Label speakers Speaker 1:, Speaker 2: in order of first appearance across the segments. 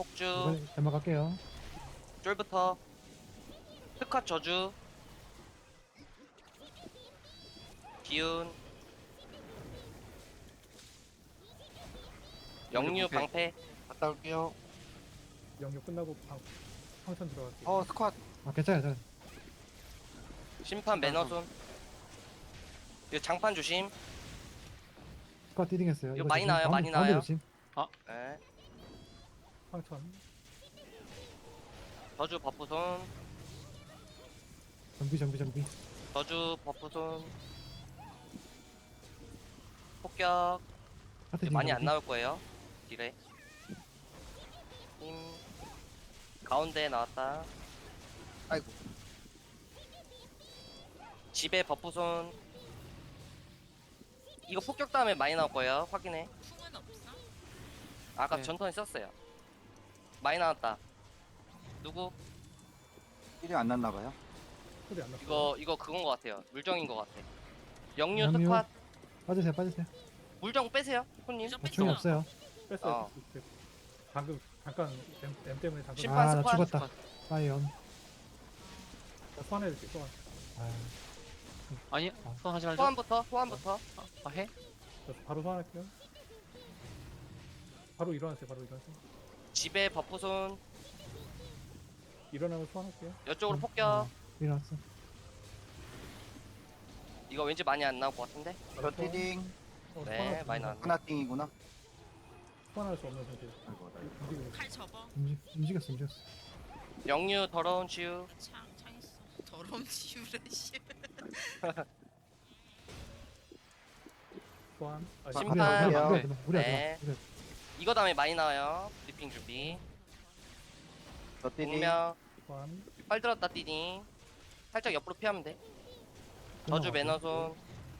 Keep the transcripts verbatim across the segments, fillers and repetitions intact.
Speaker 1: 폭주
Speaker 2: 이번에 대마 갈게요.
Speaker 1: 쫄부터 흑화 저주 기운 영유 방패
Speaker 3: 갔다 올게요.
Speaker 4: 영역 끝나고 방, 황천 들어갈게요.
Speaker 3: 어, 스쿼트.
Speaker 2: 아 괜찮아요. 괜찮아요.
Speaker 1: 심판 매너손 이거 장판 조심.
Speaker 2: 스쿼트 디딩했어요.
Speaker 1: 이거
Speaker 2: 이거
Speaker 1: 많이
Speaker 2: 조심.
Speaker 1: 나와요,
Speaker 2: 가운데,
Speaker 1: 많이
Speaker 2: 가운데
Speaker 1: 나와요.
Speaker 2: 조심.
Speaker 1: 네.
Speaker 4: 황천.
Speaker 1: 저주 버프손
Speaker 2: 정비 정비 정비.
Speaker 1: 저주 버프손 폭격
Speaker 2: 하트
Speaker 1: 많이
Speaker 2: 디딩
Speaker 1: 안 나올 거예요. 딜에 힘 가운데 나왔다.
Speaker 3: 아이고.
Speaker 1: 집에 버프손 이거 폭격 다음에 많이 나올 거예요. 확인해.
Speaker 5: 풍은 없어?
Speaker 1: 아까
Speaker 6: 네.
Speaker 1: 전턴에 썼어요. 많이 나왔다. 누구?
Speaker 3: 일이 안 났나봐요.
Speaker 4: 소리 안 났어.
Speaker 1: 이거 이거 그건 것 같아요. 물정인 것 같아. 영유
Speaker 2: 영유.
Speaker 1: 스팟
Speaker 2: 빠지세요 빠지세요.
Speaker 1: 물정 빼세요, 손님.
Speaker 5: 물정
Speaker 2: 아, 충이
Speaker 5: 뺐어요.
Speaker 2: 없어요.
Speaker 4: 뺐어요.
Speaker 1: 어.
Speaker 4: 그- 그- 방금 잠깐 M, M 때문에 잠깐
Speaker 1: 심판
Speaker 2: 아 나
Speaker 1: 스팟.
Speaker 2: 죽었다. 파이언.
Speaker 4: 나 소환해줄게. 소환.
Speaker 2: 아
Speaker 6: 아니
Speaker 2: 아.
Speaker 6: 소환하지 말자.
Speaker 1: 소환부터 소환부터.
Speaker 6: 아, 아 해?
Speaker 4: 저 바로 소환할게요. 바로 일어나세요. 바로 일어나세요.
Speaker 1: 집에 버프손
Speaker 4: 일어나면 소환할게요.
Speaker 1: 이쪽으로
Speaker 2: 음,
Speaker 1: 폭격.
Speaker 2: 어, 일어났어.
Speaker 1: 이거 왠지 많이 안 나올 것 같은데.
Speaker 3: 저 티딩.
Speaker 4: 어,
Speaker 1: 네,
Speaker 4: 소환할 수
Speaker 1: 많이
Speaker 4: 없는
Speaker 1: 나왔네.
Speaker 3: 하나 띵이구나.
Speaker 4: 소환할 수 없는 상태.
Speaker 3: 아이고, 나 이거.
Speaker 4: 움직이고 있어.
Speaker 5: 칼 접어.
Speaker 2: 움직 움직였어 움직였어.
Speaker 1: 영유 더러운 치유.
Speaker 5: 창 창했어. 더러운 지우래 씨.
Speaker 4: 소환. 아,
Speaker 1: 심판.
Speaker 2: 무리야 무리야
Speaker 3: 심판이요.
Speaker 2: 무리야 무리야
Speaker 1: 네.
Speaker 2: 무리야.
Speaker 1: 이거 다음에 많이 나와요. 브리핑 준비.
Speaker 3: 저 티딩.
Speaker 1: 공명
Speaker 4: 소환.
Speaker 1: 활 들었다 뛰니. 살짝 옆으로 피하면 돼. 저주 매너손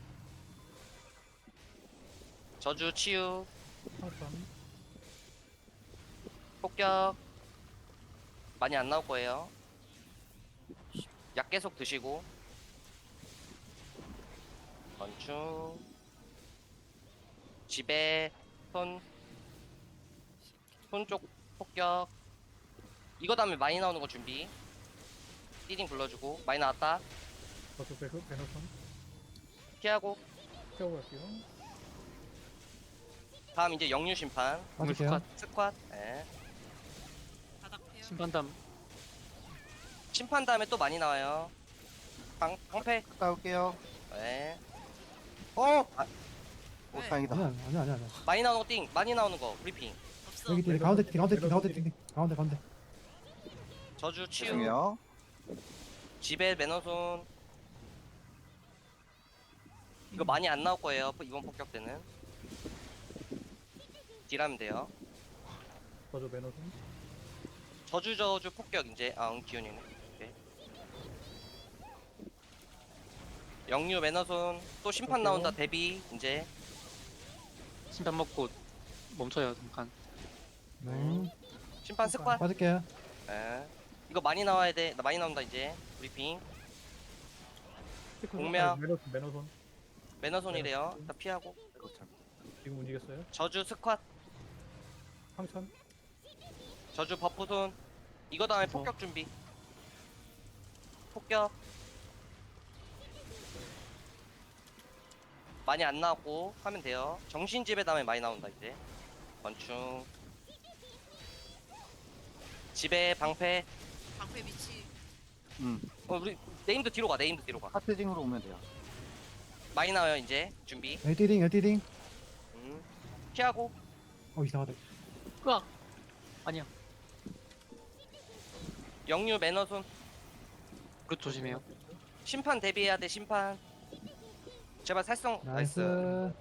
Speaker 1: 저주 치유
Speaker 4: 황천.
Speaker 1: 폭격 많이 안 나올 거예요. 약 계속 드시고 건충 집에 손 손 쪽 폭격 이거 다음에 많이 나오는 거 준비. 띠딩 불러주고 많이 나왔다.
Speaker 4: 저도 배그 배너선
Speaker 1: 피하고
Speaker 4: 태우고 갈게요.
Speaker 1: 다음 이제 영유 심판
Speaker 2: 빠질게요.
Speaker 1: 스쿼트. 네.
Speaker 5: 바닥 펴요.
Speaker 6: 심판담.
Speaker 1: 심판 다음에 또 많이 나와요. 방 방패.
Speaker 3: 갔다 올게요.
Speaker 1: 네.
Speaker 3: 어! 아, 오,
Speaker 5: 네.
Speaker 3: 다행이다.
Speaker 2: 아니야 아니야 아니야 아니야.
Speaker 1: 많이 나오는 거 띵. 많이 나오는 거 브리핑.
Speaker 5: 없어.
Speaker 2: 여기 뒤 가운데 뒤 가운데 뒤 가운데 뒤 가운데 가운데.
Speaker 1: 저주 치유.
Speaker 3: 죄송해요.
Speaker 1: 집에 매너손. 이거 많이 안 나올 거예요. 이번 폭격 때는. 딜하면 돼요.
Speaker 4: 저도 배너선.
Speaker 1: 저주 저주 폭격 이제 아 응, 기운이네. 오케이. 영유 매너손 또 심판
Speaker 4: 오케이.
Speaker 1: 나온다 대비 이제
Speaker 6: 심판 먹고 멈춰요 잠깐.
Speaker 2: 네.
Speaker 1: 심판 스쿼트.
Speaker 2: 빠질게요.
Speaker 1: 예. 이거 많이 나와야 돼. 나 많이 나온다 이제 브리핑. 공명.
Speaker 4: 아, 매너선 매너선.
Speaker 1: 매너손이래요. 다 피하고.
Speaker 3: 아이고, 참.
Speaker 4: 지금 움직였어요.
Speaker 1: 저주 스쿼트.
Speaker 4: 황천.
Speaker 1: 저주 버프손. 이거 다음에 폭격 준비. 폭격. 많이 안 나왔고 하면 돼요. 정신집에 다음에 많이 나온다 이제. 건충. 집에 방패.
Speaker 5: 방패 위치.
Speaker 3: 음.
Speaker 1: 어 우리 네임도 뒤로 가. 네임도 뒤로 가.
Speaker 3: 하트딩으로 오면 돼요.
Speaker 1: 많이 나와요 이제. 준비.
Speaker 2: 엘티딩 엘티딩.
Speaker 1: 음. 피하고.
Speaker 2: 어 이상하다.
Speaker 6: 으악. 아니야.
Speaker 1: 영유 매너손.
Speaker 6: 그 조심해요.
Speaker 1: 심판 대비해야 돼 심판. 제발 살성 나이스.
Speaker 2: 나이스.